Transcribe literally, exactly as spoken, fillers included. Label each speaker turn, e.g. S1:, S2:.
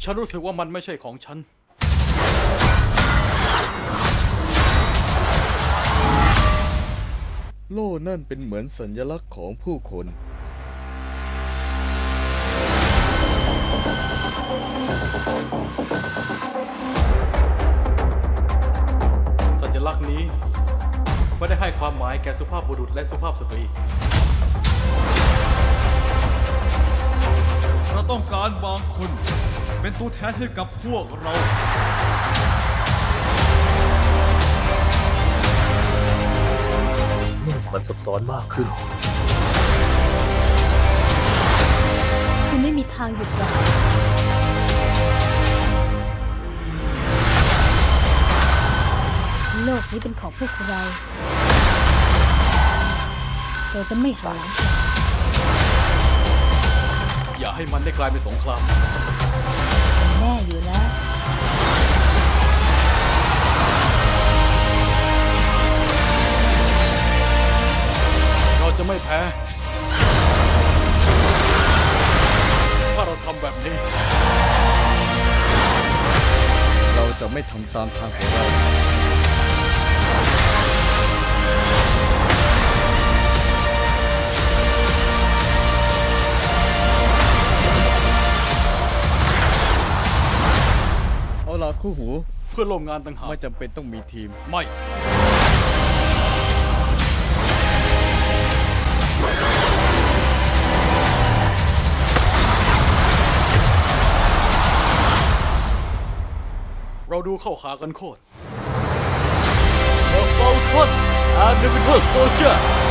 S1: ฉันรู้สึกว่ามันไม่ใช่ของฉัน
S2: โล่นั่นเป็นเหมือนสัญลักษณ์ของผู้คน
S1: สัญลักษณ์นี้ไม่ได้ให้ความหมายแก่สุภาพบุรุษและสุภาพสตรี
S3: เราต้องการบางคนเป็นตัวแทนให้กับพวกเรา
S4: มันซับซ้อนมากขึ้น
S5: คุณไม่มีทางหยุดยั้งโลกนี้เป็นของพวกเราเราจะไม่หันหลังกลับ
S1: อย่าให้มันได้กลายเป็นสงคราม
S5: แน่อยู่แล้ว
S1: เราจะไม่แพ้ถ้าเราทำแบบนี้
S2: เราจะไม่ทำตามทางของเราเอาล่ะคู่หู
S1: เพื่อร่วมงานต่างหาก
S2: ไม่จำเป็นต้องมีทีม
S1: ไม่เราดูเข้าขากันโคตร
S4: The Falcon and the Winter Soldier